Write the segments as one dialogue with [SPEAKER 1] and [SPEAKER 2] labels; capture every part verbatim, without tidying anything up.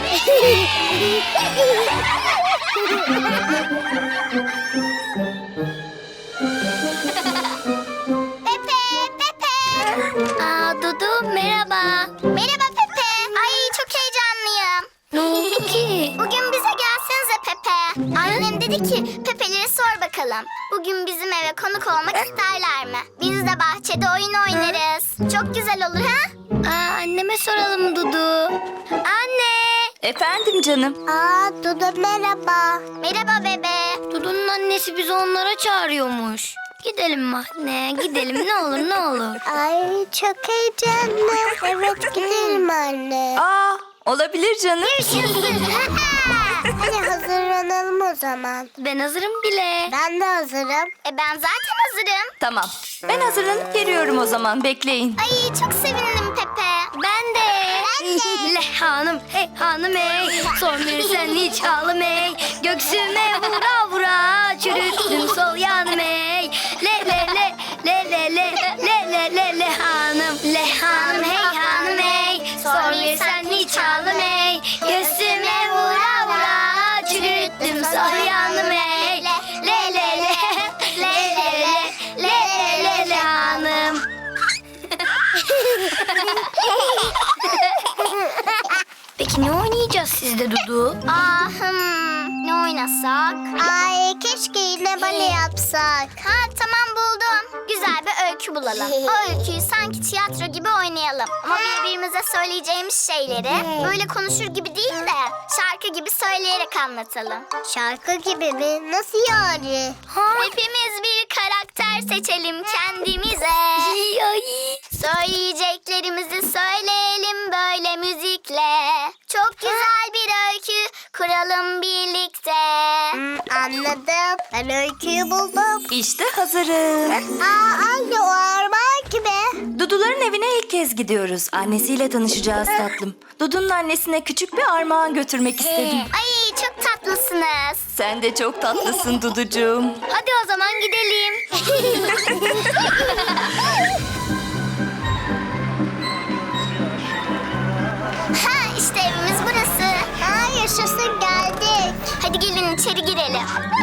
[SPEAKER 1] Pepe, Pepe.
[SPEAKER 2] Aa, Dudu merhaba.
[SPEAKER 1] Merhaba Pepe. Ay çok heyecanlıyım.
[SPEAKER 2] Ne oldu ki?
[SPEAKER 1] Bugün bize gelsenize Pepe. Annem dedi ki Pepe'lere sor bakalım. Bugün bizim eve konuk olmak isterler mi? Biz de bahçede oyun oynarız. Çok güzel olur ha?
[SPEAKER 2] Aa, anneme soralım Dudu. Anne.
[SPEAKER 3] Efendim canım.
[SPEAKER 1] Aa Dudu merhaba. Merhaba bebe.
[SPEAKER 2] Dudu'nun annesi bizi onlara çağırıyormuş. Gidelim mi anne? Gidelim ne olur ne olur.
[SPEAKER 1] Ay çok heyecanlı. Evet gidelim anne.
[SPEAKER 3] Aa, olabilir canım.
[SPEAKER 1] Hadi hazırlanalım o zaman.
[SPEAKER 2] Ben hazırım bile.
[SPEAKER 1] Ben de hazırım. E ben zaten hazırım.
[SPEAKER 3] Tamam. Ben hazırlanıp geliyorum o zaman. Bekleyin.
[SPEAKER 1] Ay çok sevindim Pepe.
[SPEAKER 2] Ben de.
[SPEAKER 1] Ben de.
[SPEAKER 2] Le hanım hey hanım hey. Son bir sen hiç ağlam hey. Göksüme vura vura. Çürüttüm sol yanım hey. Le le le le le le le le le le hanım. Le hanım hey hanım hey. Son bir sen hiç ağlam hey. Göğsüme vura vura. Çürüttüm sol yanım hey. Le le le le le le le le le hanım. Peki ne oynayacağız sizde Dudu?
[SPEAKER 1] Aa, hmm, ne oynasak? Ay keşke yine bale yapsak. Ha tamam buldum. Güzel bir öykü bulalım. O öyküyü sanki tiyatro gibi oynayalım. Ama birbirimize söyleyeceğimiz şeyleri böyle konuşur gibi değil de şarkı gibi söyleyerek anlatalım. Şarkı gibi mi? Nasıl yani? Hepimiz bir karakter seçelim kendimize.
[SPEAKER 2] Ay.
[SPEAKER 1] Söyleyeceklerimizi söyleyelim böyle müzikle. Çok güzel bir öykü kuralım birlikte. Anladım. Ben öyküyü buldum.
[SPEAKER 3] İşte hazırım.
[SPEAKER 1] Aa anne o armağan gibi.
[SPEAKER 3] Duduların evine ilk kez gidiyoruz. Annesiyle tanışacağız tatlım. Dudu'nun annesine küçük bir armağan götürmek istedim.
[SPEAKER 1] Ay çok tatlısınız.
[SPEAKER 3] Sen de çok tatlısın Duducuğum.
[SPEAKER 2] Hadi o zaman gidelim.
[SPEAKER 1] Ha işte evimiz burası. Ha yaşasın geldik. Hadi gelin içeri girelim.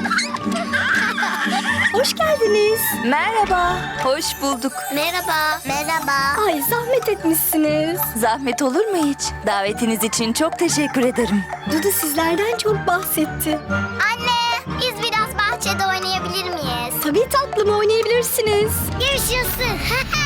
[SPEAKER 3] Hoş geldiniz. Merhaba. Hoş bulduk.
[SPEAKER 2] Merhaba.
[SPEAKER 1] Merhaba.
[SPEAKER 3] Ay zahmet etmişsiniz. Zahmet olur mu hiç? Davetiniz için çok teşekkür ederim.
[SPEAKER 4] Dudu sizlerden çok bahsetti.
[SPEAKER 1] Anne biz biraz bahçede oynayabilir miyiz?
[SPEAKER 4] Tabii tatlım oynayabilirsiniz.
[SPEAKER 1] Yaşasın.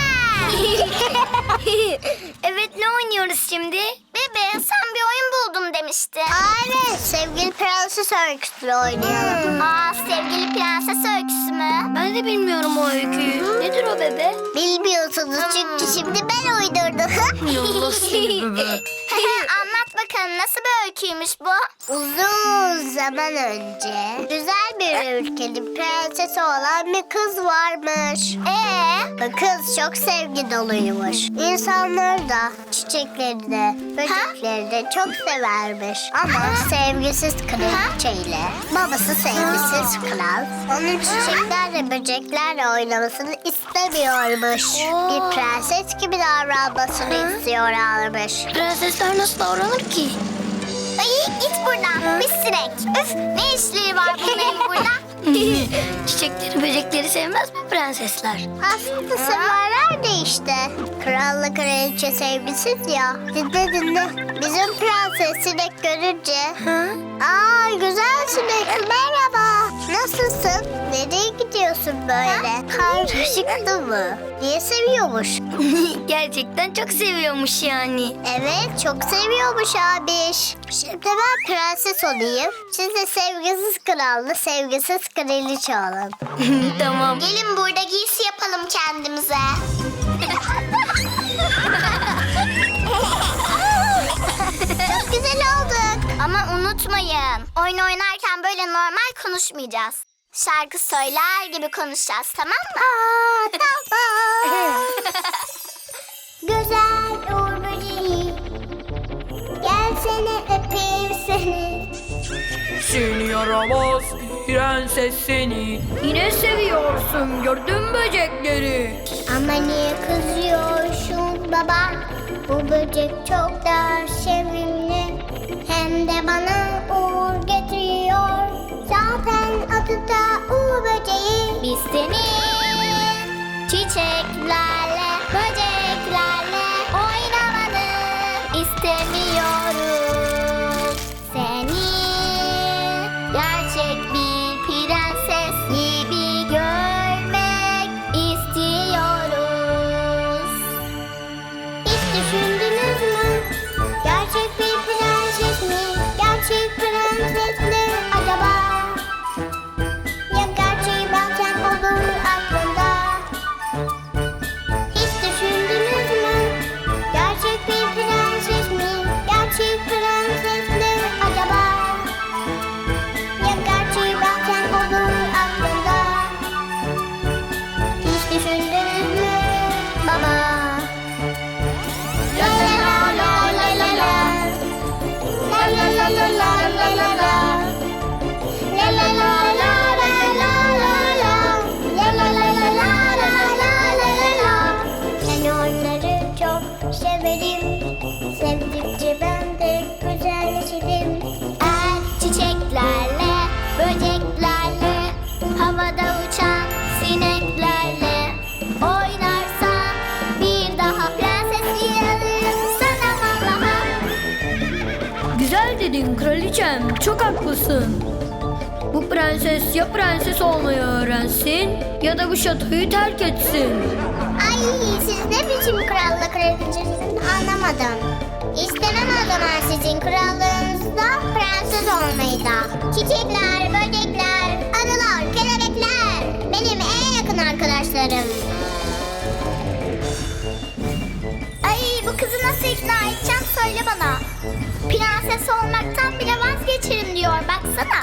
[SPEAKER 2] Evet ne oynuyoruz şimdi?
[SPEAKER 1] Bebe sen bir oyun buldum demiştin. Aynen sevgili prenses öyküsü oynayalım. Aa sevgili prenses öyküsü mü?
[SPEAKER 2] Ben de bilmiyorum o öyküyü. Nedir o bebe?
[SPEAKER 1] Bilmiyorsunuz çünkü şimdi ben uydurdum.
[SPEAKER 2] Allah seni bebe.
[SPEAKER 1] Anlat bakalım nasıl bir öyküymüş bu? Uzun zaman önce güzel bir ülkenin prensesi olan bir kız varmış. Ee? Bu kız çok sevgi doluymuş. İnsanları da çiçekleri de böcekleri de çok severmiş. Ama sevgisiz kraliçeyle babası sevgisiz kral onun çiçeklerle böceklerle oynamasını istemiyormuş. Bir prenses gibi davranmasını istiyorlarmış.
[SPEAKER 2] Prensesler nasıl davranır ki?
[SPEAKER 1] Ay git buradan bir sinek. Üf ne işleri var bunların burada?
[SPEAKER 2] Çiçekleri böcekleri sevmez mi prensesler?
[SPEAKER 1] Aslında severler de işte. Kralla kraliçe sevgisiz ya. Dinle dinle. Bizim prenses sinek görünce.
[SPEAKER 2] Ha?
[SPEAKER 1] Aa güzel sinek merhaba. Nasılsın? Nereye gidiyorsun böyle? Karışıktı mı? Niye seviyormuş?
[SPEAKER 2] Gerçekten çok seviyormuş yani.
[SPEAKER 1] Evet çok seviyormuş abiş. Şimdi ben prenses olayım. Siz de sevgisiz kralla sevgisiz kraliçe olun.
[SPEAKER 2] Tamam.
[SPEAKER 1] Gelin burada giysi yapalım kendimize. Çok güzel olduk. Ama unutmayın. Oyun oynarken böyle normal konuşmayacağız. Şarkı söyler gibi konuşacağız tamam mı? Aa, tamam. Güzel Uğur böceği. Gelsene öpeyim seni.
[SPEAKER 5] Seni yaramaz prenses seni.
[SPEAKER 2] Yine seviyorsun gördüm böcekleri.
[SPEAKER 1] Ama niye kızıyorsun baba? Bu böcek çok da sevimli. Hem Yine bana uğur getiriyor. Zaten adı da uğur böceği. Biz senin çiçeklerle, böceklerle oynamanı istemiyoruz. Seni gerçek bir prenses gibi görmek istiyoruz. Hiç düşündünüz mü? Gerçek bir prenses mi? Gerçek prenses mi acaba? Ya gerçeği bazen olur aklında. Hiç düşündünüz mü? Gerçek bir prenses mi? Gerçek prenses mi acaba? Ya gerçeği bazen olur aklında. Hiç düşündünüz mü baba? La la la la la la la. La la la la la la la la. La la la la la la la la. La la la la la la la la la. Ben onları çok severim. Sevdikçe ben de güzelleşirim. Eğer çiçeklerle, böceklerle, havada uçan sineklerle oynarsan bir daha prenses yararım sana vallaha.
[SPEAKER 2] Güzel dedin kraliçem, çok haklısın. Bu prenses ya prenses olmayı öğrensin ya da bu şatoyu terk etsin.
[SPEAKER 1] Ay siz ne biçim krallık kraliçesiniz anlamadım. İstemem o zaman sizin krallığınızda prenses olmayı da. Çiçekler, böcekler, arılar, kelebekler benim en yakın arkadaşlarım. Ay bu kızı nasıl ikna edeceğim söyle bana. Prenses olmaktan bile vazgeçerim diyor baksana.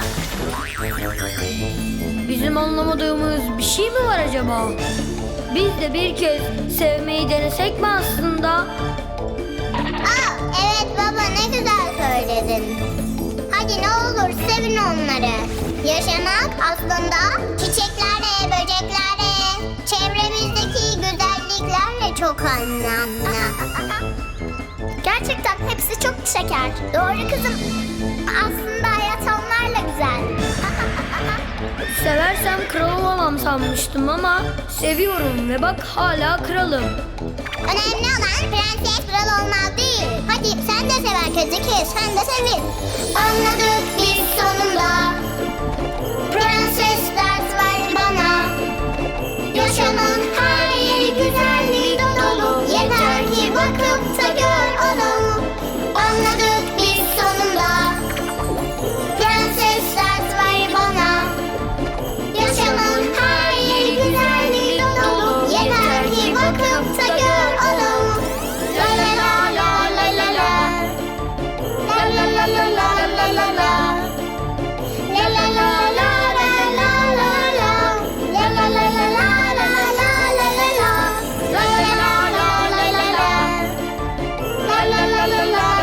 [SPEAKER 2] Bizim anlamadığımız bir şey mi var acaba? Biz de bir kez sevmeyi denesek mi aslında?
[SPEAKER 1] Aa, evet baba ne güzel söyledin. Hadi ne olur sevin onları. Yaşamak aslında çiçeklerle, böceklerle, çevremizdeki güzelliklerle çok anlamlı. Gerçekten hepsi çok şeker. Doğru kızım. Aslında hayat onlarla güzel.
[SPEAKER 2] Seversem kral olamam sanmıştım ama seviyorum ve bak hala kralım.
[SPEAKER 1] Önemli olan prenses kral olmak değil. Hadi sen de sev herkesi, sen de sevin. Anladık biz sonunda. Prenses ders ver bana. Yaşamın her yeri güzelliği dolu. Yeter ki bakıp da gör onu. Anladık biz sonunda. Prenses ders ver bana. Yaşamın her yeri güzelliği dolu. Yeter ki bakıp da gör onu. La la la la la la la. La la la la la la la la. La la la la la la la la. La la la la la la la la la la. La la la la la la la. La la la la la la la la. La la la la la la la la. La la la la la la la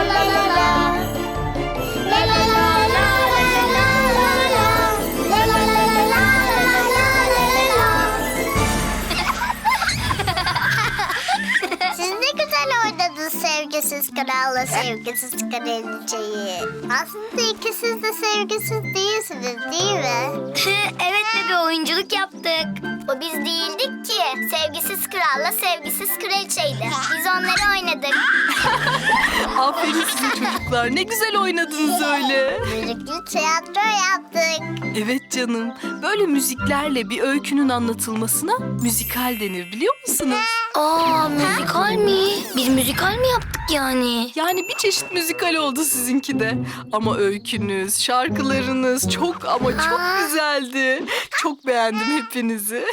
[SPEAKER 1] la. Siz ne güzel oynadınız sevgisiz kralla sevgisiz kraliçeyi. Aslında ikisiz de sevgisiz değilsiniz değil mi?
[SPEAKER 2] Evet bebe oyunculuk yaptık.
[SPEAKER 1] O biz değildik ki. Sevgisiz kralla sevgisiz kraliçeydi. Biz onları oynadık.
[SPEAKER 6] Aferin size çocuklar. Ne güzel oynadınız öyle.
[SPEAKER 1] Müzikli tiyatro yaptık.
[SPEAKER 6] Evet canım. Böyle müziklerle bir öykünün anlatılmasına müzikal denir biliyor musunuz?
[SPEAKER 2] Aa müzikal mi? Biz müzikal mi yaptık yani?
[SPEAKER 6] Yani bir çeşit müzikal oldu sizinki de. Ama öykünüz, şarkılarınız çok ama çok güzeldi. Çok beğendim hepinizi.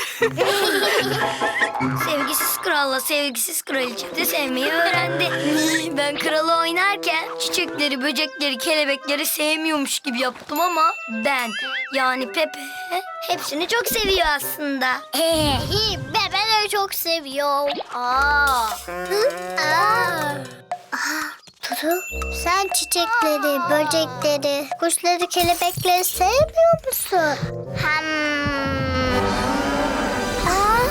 [SPEAKER 2] Sevgisiz kralla sevgisiz kraliçe de sevmeyi öğrendi. Ben kralı oynarken çiçekleri, böcekleri, kelebekleri sevmiyormuş gibi yaptım ama ben yani Pepe hepsini çok seviyor aslında.
[SPEAKER 1] Ee, ben, ben de çok seviyorum. Aa. Hı? Aa. Aa, Dudu, sen çiçekleri, böcekleri, kuşları, kelebekleri sevmiyor musun? Hmm. Aa.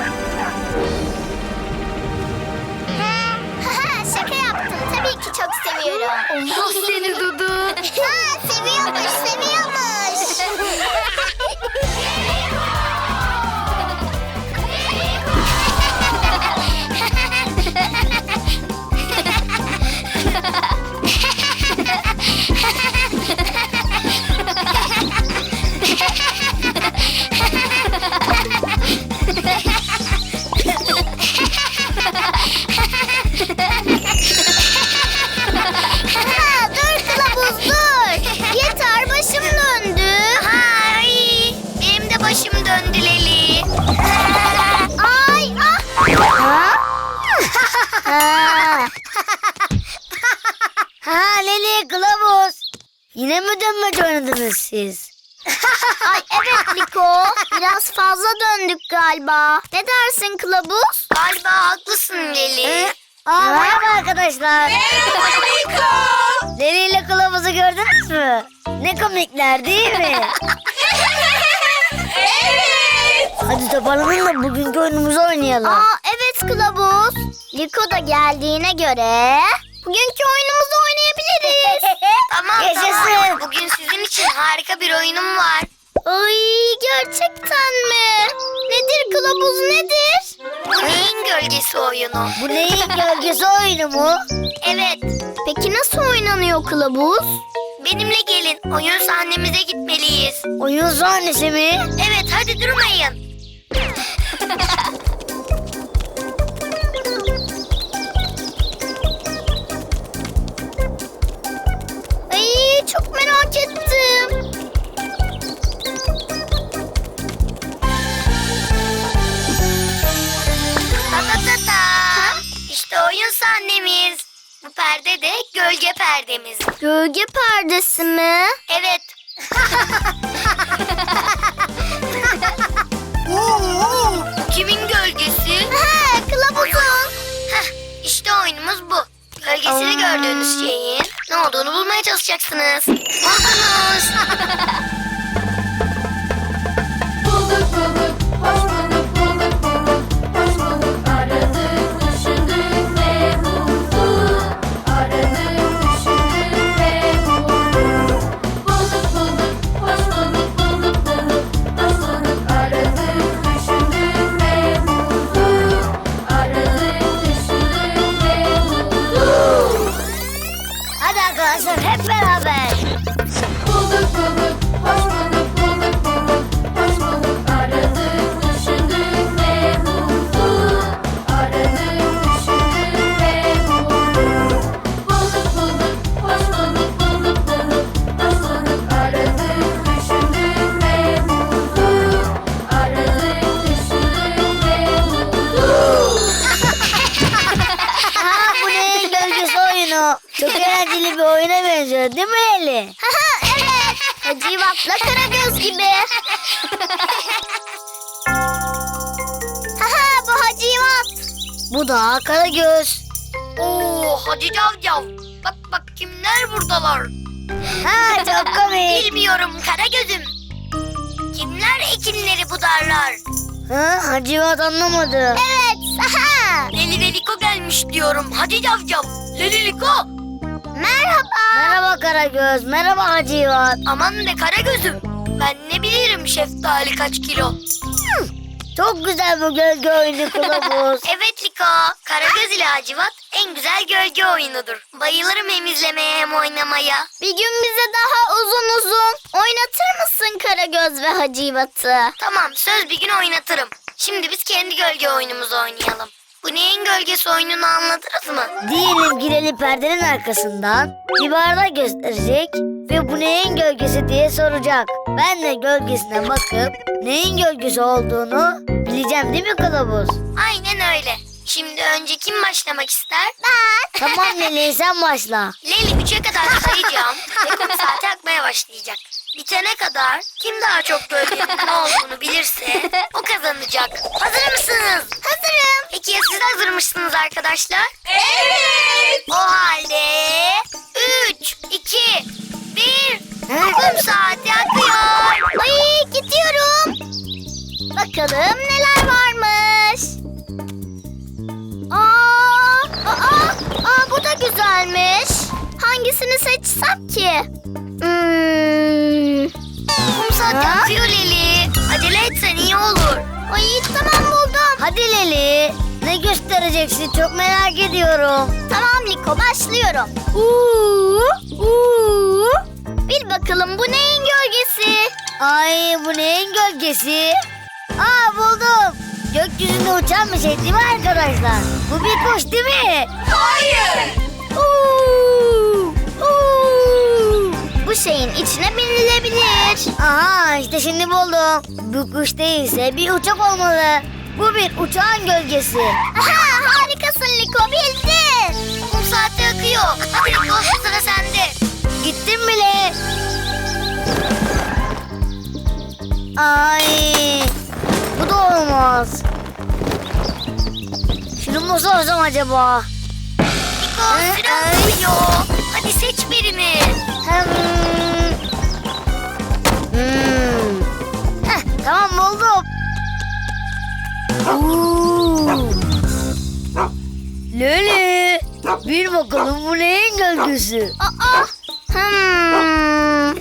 [SPEAKER 1] Ha, şaka yaptım. Tabii ki çok seviyorum. seviyorum.
[SPEAKER 2] Allah seni Dudu.
[SPEAKER 1] Ha, seviyormuş, seviyormuş. Ha, dur kılavuz dur. Yeter, başım döndü. Ay, benim de başım döndü Leli. Ay, ah. Ha? Ha Leli, kılavuz. Yine mi dönmece oynadınız siz? Ay evet Liko. Biraz fazla döndük galiba. Ne dersin kılavuz? Galiba haklısın Leli. Aa, merhaba arkadaşlar. Merhaba Liko. Leli ile kılavuzu gördünüz mü? Ne komikler değil mi? Evet. Hadi toparlanın da bugünkü oyunumuzu oynayalım. Aa evet kılavuz. Liko da geldiğine göre bugünkü oyunumuzu oynayabiliriz. Tamam tamam. Bugün sizin için harika bir oyunum var. Ay gerçekten mi? Nedir kılavuz nedir? Bu neyin gölgesi oyunu? Bu neyin gölgesi oyunu mu? Evet. Peki nasıl oynanıyor kılavuz? Benimle gelin. Oyun sahnemize gitmeliyiz. Oyun sahnesi mi? Evet hadi durmayın. Ay çok merak ettim. Ta ta ta ta. İşte oyun sahnemiz. Bu perde de gölge perdemiz. Gölge perdesi mi? Evet. Bu kimin gölgesi? Ha, kılavuzun. Heh, işte oyunumuz bu. Gölgesini gördüğünüz şeyin ne olduğunu bulmaya çalışacaksınız. Buldunuz.
[SPEAKER 7] Bulduk bulduk, hoş bulduk, bulduk bulduk, hoş bulduk. Aradık, düşündük ve bulduk. Aradık, düşündük ve bulduk. Bulduk bulduk, hoş bulduk, bulduk bulduk, hoş bulduk. Aradık, düşündük ve bulduk. Aradık, düşündük ve bulduk.
[SPEAKER 1] Hadi arkadaşlar hep beraber.
[SPEAKER 7] Bulduk bulduk, hoş bulduk, bulduk bulduk, hoş bulduk. Aradık, düşündük ve bulduk. Aradık, düşündük ve bulduk. Bulduk bulduk, hoş bulduk, bulduk bulduk, hoş bulduk. Aradık, düşündük ve bulduk. Aradık, düşündük ve bulduk.
[SPEAKER 1] Ha bu neyin gölgesi oyunu? Çok eğlenceli bir oyuna benziyor değil mi Eli? Evet. Hacivat'la Karagöz gibi. Haha bu Hacivat. Bu da Karagöz.
[SPEAKER 2] Oo hadi cavcav. Bak bak kimler buradalar.
[SPEAKER 1] Ha çok komik.
[SPEAKER 2] Bilmiyorum Karagöz'üm. Kimler ekinleri budarlar?
[SPEAKER 1] Ha Hacivat anlamadı. Evet. Aha.
[SPEAKER 2] Leli ve Liko gelmiş diyorum. Hadi cavcav. Leli Liko.
[SPEAKER 1] Merhaba. Merhaba Karagöz. Merhaba Hacivat.
[SPEAKER 2] Aman be Karagöz'üm. Ben ne bilirim şeftali kaç kilo.
[SPEAKER 1] Çok güzel bu gölge oyunu kılavuz.
[SPEAKER 2] Evet Liko. Karagöz ile Hacivat en güzel gölge oyunudur. Bayılırım hem izlemeye hem oynamaya.
[SPEAKER 1] Bir gün bize daha uzun uzun oynatır mısın Karagöz ve Hacivat'ı?
[SPEAKER 2] Tamam söz bir gün oynatırım. Şimdi biz kendi gölge oyunumuzu oynayalım. Bu neyin gölgesi oyununu anladınız mı?
[SPEAKER 1] Diyelim gireli perdenin arkasından bir bardak gösterecek ve bu neyin gölgesi diye soracak. Ben de gölgesine bakıp neyin gölgesi olduğunu bileceğim değil mi kılavuz?
[SPEAKER 2] Aynen öyle. Şimdi önce kim başlamak ister? Ben.
[SPEAKER 1] Tamam Leli sen başla.
[SPEAKER 2] Leyli üçe kadar sayacağım ve kum saati akmaya başlayacak. Bitene kadar kim daha çok gölgenin ne olduğunu bilirse o kazanacak. Hazır mısınız? Hazırım. Peki ya siz hazır mısınız arkadaşlar? Evet. O halde üç, iki, bir. Kum saati akıyor.
[SPEAKER 1] Ay gidiyorum. Bakalım neler varmış. Aa, aa, aa bu da güzelmiş. hangisini seçsem ki? Hmm.
[SPEAKER 2] Kum saati akıyor Leli. Acele etsen iyi olur.
[SPEAKER 1] Ay tamam buldum.
[SPEAKER 2] Hadi Leli. Ne göstereceksin çok merak ediyorum.
[SPEAKER 1] Tamam Liko başlıyorum.
[SPEAKER 2] Uuu, uuu.
[SPEAKER 1] Bil bakalım bu neyin gölgesi?
[SPEAKER 2] Ay bu neyin gölgesi? Aa buldum. Gökyüzünde uçan bir şey değil mi arkadaşlar? Bu bir kuş değil mi?
[SPEAKER 1] Hayır.
[SPEAKER 2] Uuu, uuu.
[SPEAKER 1] Bu şeyin içine binilebilir.
[SPEAKER 2] Aha işte şimdi buldum. Bu kuş değilse bir uçak olmalı. Bu bir uçağın gölgesi.
[SPEAKER 1] Aha, harikasın Liko bildin.
[SPEAKER 2] Kum saati akıyor. Hadi Liko sıra sende. Gittim bile. Ay bu da olmaz. Şunu mu sorsam acaba?
[SPEAKER 1] Liko süre akıyor. Hadi seç birini.
[SPEAKER 2] Hem... Hmm. Heh, tamam buldum. Oo. Leli, bir bakalım bu neyin gölgesi?
[SPEAKER 1] Aa. Hmm.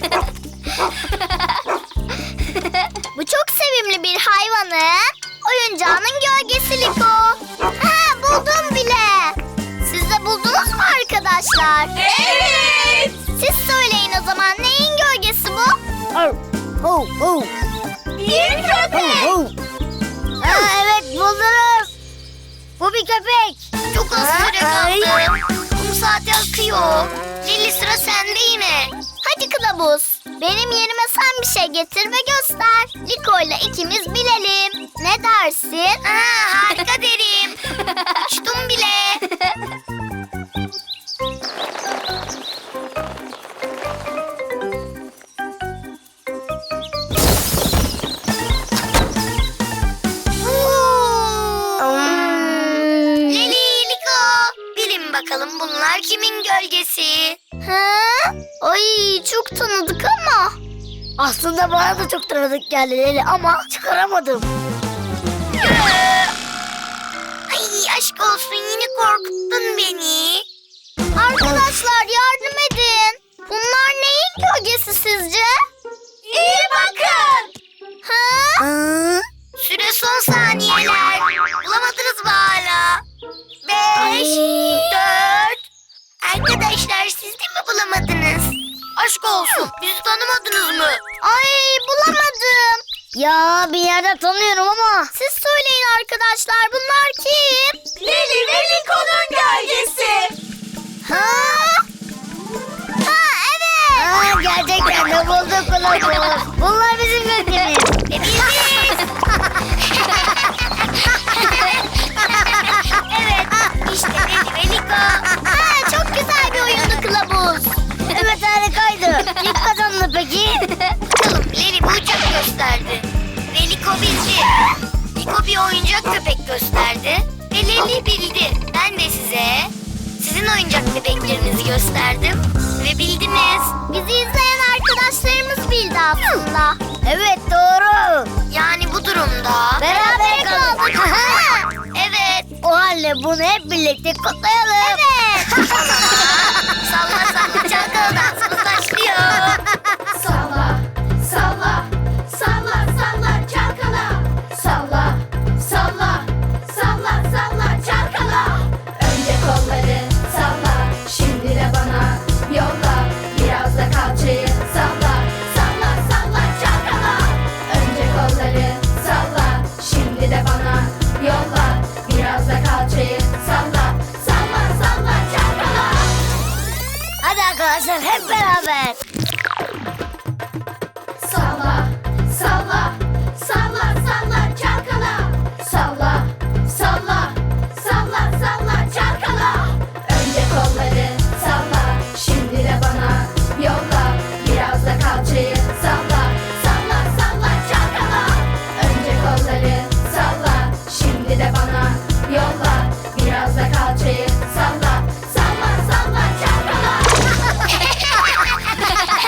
[SPEAKER 1] Bu çok sevimli bir hayvanın oyuncağının gölgesi Liko. Ha, buldum bile. Siz de buldunuz mu arkadaşlar? Evet. Siz söyleyin o zaman neyin gölgesi bu?
[SPEAKER 2] Oh, oh, oh.
[SPEAKER 1] Bir köpek.
[SPEAKER 2] Oh, oh. Ha, evet buldunuz. Bu bir köpek.
[SPEAKER 1] Çok az süre
[SPEAKER 2] Ay.
[SPEAKER 1] kaldı. Kum saati akıyor. Lili sıra sende yine. Hadi kılavuz. Benim yerime sen bir şey getir ve göster. Liko ile ikimiz bilelim. Ne dersin? Ha, harika derim. Uçtum bile.
[SPEAKER 2] Hmm.
[SPEAKER 1] Leli, Liko. Bilin bakalım bunlar kimin gölgesi? Ha? Ay çok tanıdık ama.
[SPEAKER 2] Aslında bana da çok tanıdık geldi Leli ama çıkaramadım.
[SPEAKER 1] Ay aşk olsun yine korkuttun beni. Arkadaşlar yardım edin. Bunlar neyin gölgesi sizce? İyi bakın. Ha?
[SPEAKER 2] Aa,
[SPEAKER 1] Süre son saniyeler. Bulamadınız mı hala? Beş, dört. Arkadaşlar siz de mi bulamadınız? Aşk olsun bizi tanımadınız mı? Ay bulamadım.
[SPEAKER 2] ya bir yerden tanıyorum ama.
[SPEAKER 1] Siz söyleyin arkadaşlar bunlar kim? Leli ve Liko'nun gölgesi. Ha? Ha evet.
[SPEAKER 2] Aa, gerçekten de bulduk kılavuz. Bunlar bizim gölgemiz.
[SPEAKER 1] E biz. Evet işte Leli ve Liko. Ha, çok güzel bir oyundu kılavuz.
[SPEAKER 2] Evet harikaydı. Kim kazandı peki?
[SPEAKER 1] Bakalım Leli bir uçak gösterdi. Ve Liko bildi. Liko bir oyuncak köpek gösterdi. Ve Leli bildi. Ben de size sizin oyuncak bebeklerinizi gösterdim. Ve bildiniz. Bizi izleyen arkadaşlarımız bildi aslında.
[SPEAKER 2] Evet doğru.
[SPEAKER 1] Yani bu durumda
[SPEAKER 2] Berabere kaldık.
[SPEAKER 1] Evet.
[SPEAKER 2] O halde bunu hep birlikte kutlayalım.
[SPEAKER 1] Evet. Salla salla çalkalı dansımız başlıyor.
[SPEAKER 7] Salla, salla, salla, salla çalkala. Salla, salla, salla, salla çalkala. Önce kolları salla, şimdi de bana yolla. Biraz da kalçayı salla, salla, salla çalkala. Önce kolları salla, şimdi de bana yolla. Biraz da kalçayı salla, salla, salla çalkala.
[SPEAKER 2] Hadi arkadaşlar hep beraber.
[SPEAKER 7] Salla, salla, salla, salla çalkala. Salla, salla, salla, salla çalkala. Önce kolları salla, şimdi de bana yolla. Biraz da kalçayı salla, salla, salla çalkala. Önce kolları salla, şimdi de bana yolla. Biraz da kalçayı salla, salla, salla çalkala.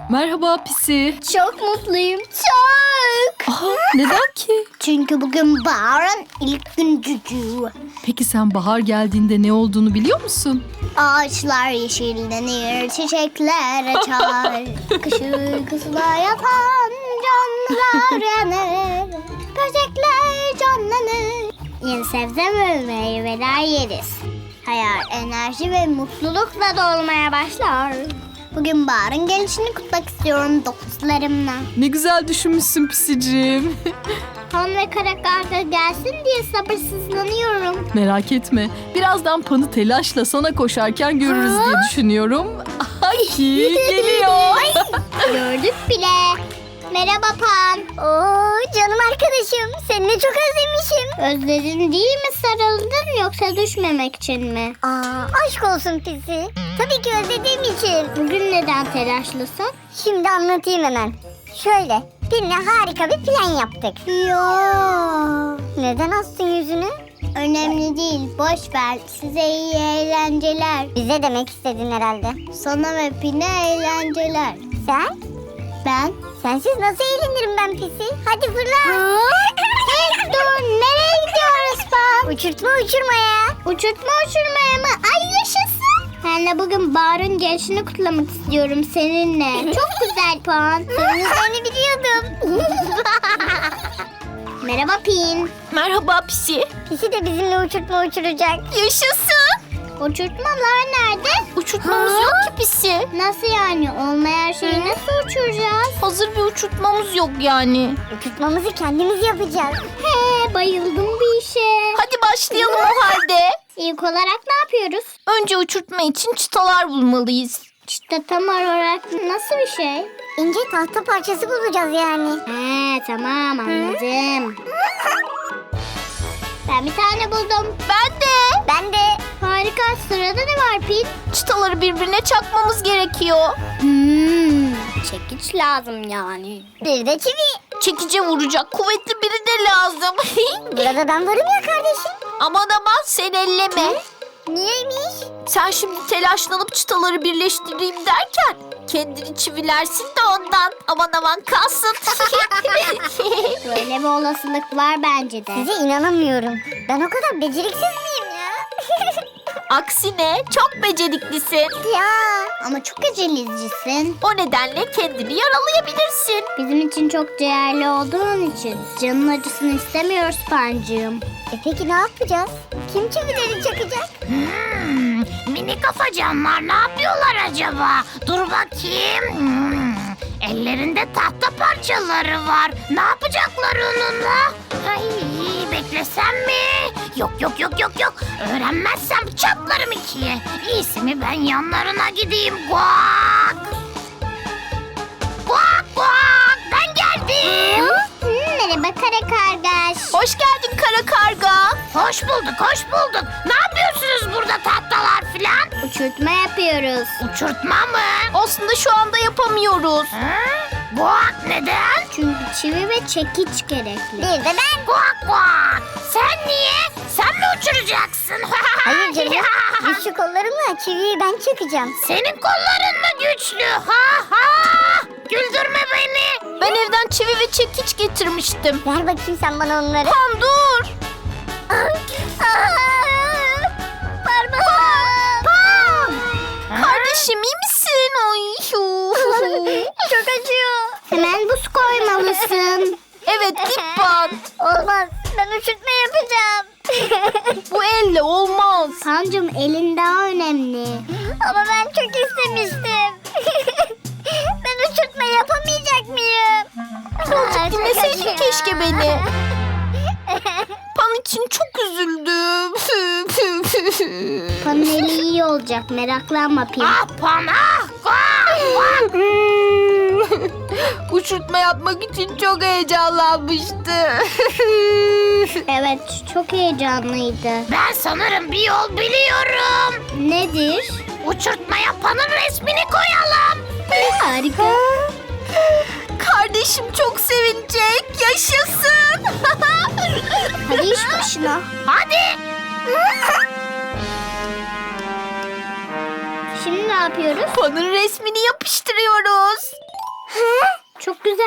[SPEAKER 6] Merhaba Pisi.
[SPEAKER 1] Çok mutluyum. Çok.
[SPEAKER 6] Aha, neden ki?
[SPEAKER 1] Çünkü bugün baharın ilk gün cücüğü.
[SPEAKER 6] Peki sen bahar geldiğinde ne olduğunu biliyor musun?
[SPEAKER 1] Ağaçlar yeşillenir, çiçekler açar. Kış uykusuna yatan canlılar uyanır. Böcekler canlanır. Yeni sebze ve meyveler yeriz. Hayat, enerji ve mutlulukla dolmaya başlar. Bugün baharın gelişini kutmak istiyorum dokuzlarımla.
[SPEAKER 6] Ne güzel düşünmüşsün Pisiciğim.
[SPEAKER 1] Pan ve kara karga gelsin diye sabırsızlanıyorum.
[SPEAKER 6] Merak etme. Birazdan Pan'ı telaşla sana koşarken görürüz diye düşünüyorum. Ay geliyor.
[SPEAKER 1] Gördük bile. Merhaba Pan. Oo canım arkadaşım. Seni çok özlemişim. Özledin değil mi, sarıldın yoksa düşmemek için mi? Aa aşk olsun Pisi. Tabii ki özlediğim için. Bugün neden telaşlısın? Şimdi anlatayım hemen. Şöyle birine harika bir plan yaptık. Yo. Neden astın yüzünü? Önemli değil, boş ver. Size iyi eğlenceler. Bize demek istedin herhalde. Sana ve Pine eğlenceler. Sen? Ben? Sensiz nasıl eğlenirim ben Pisi? Hadi fırla. Hey, dur, nereye gidiyoruz Pan? Uçurtma uçurmaya. Uçurtma uçurmaya mı? Ay yaşasın. Ben de bugün baharın gelişini kutlamak istiyorum seninle. Çok güzel Pan. Seni biliyordum. Merhaba Pin.
[SPEAKER 3] Merhaba Pisi.
[SPEAKER 1] Pisi de bizimle uçurtma uçuracak.
[SPEAKER 3] Yaşasın.
[SPEAKER 1] Uçurtmalar nerede?
[SPEAKER 3] Uçurtmamız yok ki Pisi.
[SPEAKER 1] Nasıl yani? Olmayan şeyi nasıl uçuracağız?
[SPEAKER 3] Hazır bir uçurtmamız yok yani.
[SPEAKER 1] Uçurtmamızı kendimiz yapacağız. He, bayıldım bir işe.
[SPEAKER 3] Hadi başlayalım o halde.
[SPEAKER 1] İlk olarak ne yapıyoruz?
[SPEAKER 3] Önce uçurtma için çıtalar bulmalıyız.
[SPEAKER 1] İşte tam olarak nasıl bir şey? İnce tahta parçası bulacağız yani. He, tamam anladım. Ben bir tane buldum.
[SPEAKER 3] Ben de.
[SPEAKER 1] Ben de. Harika. Sırada ne var Pin?
[SPEAKER 3] Çıtaları birbirine çakmamız gerekiyor.
[SPEAKER 1] Hmm, çekiç lazım yani. Bir de çivi.
[SPEAKER 3] Çekice vuracak kuvvetli biri de lazım.
[SPEAKER 1] Burada ben varım ya kardeşim.
[SPEAKER 3] Aman aman sen elleme.
[SPEAKER 1] Niyeymiş?
[SPEAKER 3] Sen şimdi telaşlanıp çıtaları birleştireyim derken kendini çivilersin de ondan. Aman aman kalsın.
[SPEAKER 1] Böyle bir olasılık var bence de. Size inanamıyorum. Ben o kadar beceriksiz miyim ya?
[SPEAKER 3] Aksine çok beceriklisin.
[SPEAKER 1] Ya ama çok acelecicisin.
[SPEAKER 3] O nedenle kendini yaralayabilirsin.
[SPEAKER 1] Bizim için çok değerli olduğun için canın acısını istemiyoruz Pancığım. E peki ne yapacağız? Kim çivileri çakacak?
[SPEAKER 8] Hmm, mini kafacanlar ne yapıyorlar acaba? Dur bakayım. Hmm, ellerinde tahta parçaları var. Ne yapacaklar onunla? Ay, beklesem mi? Yok yok yok yok yok. Öğrenmezsem çatlarım ikiye. İyisi mi ben yanlarına gideyim. Guak! Guak guak! Ben geldim.
[SPEAKER 1] Merhaba kara kargaş.
[SPEAKER 3] Hoş geldin kara karga.
[SPEAKER 8] Hoş bulduk, hoş bulduk. Ne yapıyorsunuz burada tahtalar filan?
[SPEAKER 1] Uçurtma yapıyoruz.
[SPEAKER 8] Uçurtma mı?
[SPEAKER 3] Aslında şu anda yapamıyoruz.
[SPEAKER 8] Hı? Guak neden?
[SPEAKER 1] Çünkü çivi ve çekiç gerekli. Bir de ben.
[SPEAKER 8] Guak guak. Sen niye? Sen mi uçuracaksın?
[SPEAKER 1] Hayır canım. Güçlü kollarımla çiviyi ben çakacağım.
[SPEAKER 8] Senin kolların mı güçlü? Ha ha! Güldürme beni.
[SPEAKER 3] Ben evden çivi ve çekiç getirmiştim.
[SPEAKER 1] Ver bakayım sen bana onları.
[SPEAKER 3] Tamam dur.
[SPEAKER 1] Parmağım.
[SPEAKER 3] Kardeşim iyi misin? Ay.
[SPEAKER 1] Çok acıyor. Hemen buz koymalısın.
[SPEAKER 3] Evet git bak.
[SPEAKER 1] Olmaz. Ben uçurtma yapacağım.
[SPEAKER 3] Bu elle olmaz.
[SPEAKER 1] Pancım elin daha önemli. Ama ben çok istemiştim. Ben uçurtma yapamayacak mıyım?
[SPEAKER 3] Azıcık dinleseydin keşke beni. Pan için çok üzüldüm.
[SPEAKER 1] Panın eli iyi olacak, meraklanma Pin.
[SPEAKER 8] Ah pana! Guak guak!
[SPEAKER 3] Uçurtma yapmak için çok heyecanlanmıştı.
[SPEAKER 1] Evet, çok heyecanlıydı.
[SPEAKER 8] Ben sanırım bir yol biliyorum.
[SPEAKER 1] Nedir?
[SPEAKER 8] Uçurtma yapanın resmini koyalım.
[SPEAKER 1] Harika.
[SPEAKER 3] Kardeşim çok sevinecek. Yaşasın.
[SPEAKER 1] Hadi iş başına.
[SPEAKER 8] Hadi.
[SPEAKER 1] Şimdi ne yapıyoruz?
[SPEAKER 3] Pan'ın resmini yapıştırıyoruz.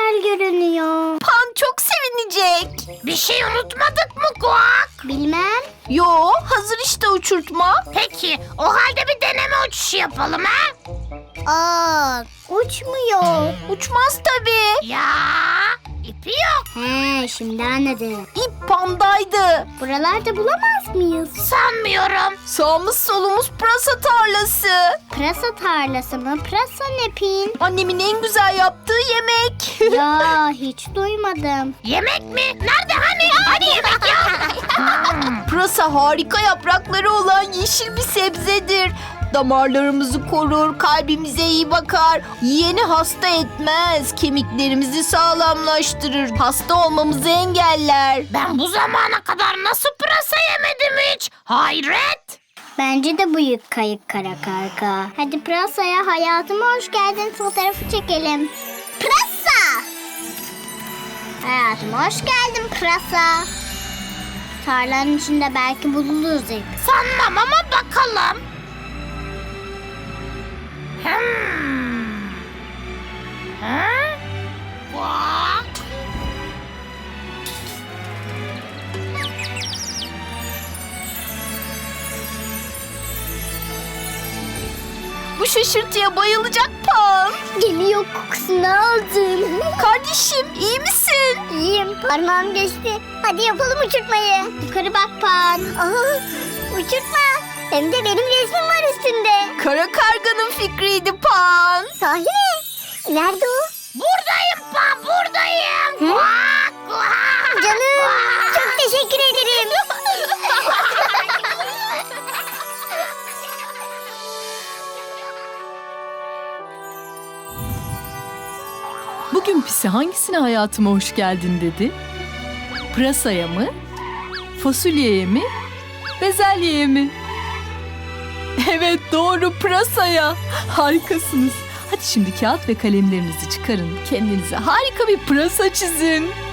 [SPEAKER 1] güzel görünüyor.
[SPEAKER 3] Pan çok sevinecek.
[SPEAKER 8] Bir şey unutmadık mı Kuak?
[SPEAKER 1] Bilmem.
[SPEAKER 3] Yo, hazır işte uçurtma.
[SPEAKER 8] Peki o halde bir deneme uçuşu yapalım ha?
[SPEAKER 1] Aa, uçmuyor.
[SPEAKER 3] Uçmaz tabii.
[SPEAKER 8] Ya ipi yok.
[SPEAKER 1] He, şimdi anladım.
[SPEAKER 3] İp Pan'daydı.
[SPEAKER 1] Buralarda bulamaz mıyız?
[SPEAKER 8] Sanmıyorum.
[SPEAKER 3] Sağımız solumuz pırasa tarlası.
[SPEAKER 1] Pırasa tarlası mı? Pırasa ne Pin?
[SPEAKER 3] Annemin en güzel yaptığı yemek.
[SPEAKER 1] Ya hiç duymadım.
[SPEAKER 8] Yemek mi? Nerede hani? Hani yemek ya?
[SPEAKER 3] Pırasa harika yaprakları olan yeşil bir sebzedir. Damarlarımızı korur, kalbimize iyi bakar. Yiyeni hasta etmez, kemiklerimizi sağlamlaştırır. Hasta olmamızı engeller.
[SPEAKER 8] Ben bu zamana kadar nasıl pırasa yemedim hiç? Hayret.
[SPEAKER 1] Bence de büyük kayık kara karga. Hadi pırasaya hayatıma hoş geldin fotoğrafı çekelim. Pırasa! Hayatıma hoş geldin pırasa. Tarlanın içinde belki buluruz ip.
[SPEAKER 8] Sanmam ama bakalım. Hmm. Ha? Kuak.
[SPEAKER 3] Bu şaşırtıya bayılacak Pan.
[SPEAKER 1] Geliyor, kokusunu aldım.
[SPEAKER 3] Kardeşim iyi misin?
[SPEAKER 1] İyiyim, parmağım geçti. Hadi yapalım uçurtmayı. Yukarı bak Pan. Aa, uçurtma. Hem de benim resmim var üstünde.
[SPEAKER 3] Kara karganın fikriydi Pan.
[SPEAKER 1] Sahi mi? Nerede o?
[SPEAKER 8] Buradayım Pan, buradayım. Kuak, kuak.
[SPEAKER 1] Canım, çok teşekkür ederim.
[SPEAKER 6] Bugün Pisi hangisine hayatıma hoş geldin dedi? Pırasaya mı? Fasulyeye mi? Bezelyeye mi? Evet doğru, pırasaya. Harikasınız. Hadi şimdi kağıt ve kalemlerinizi çıkarın. Kendinize harika bir pırasa çizin.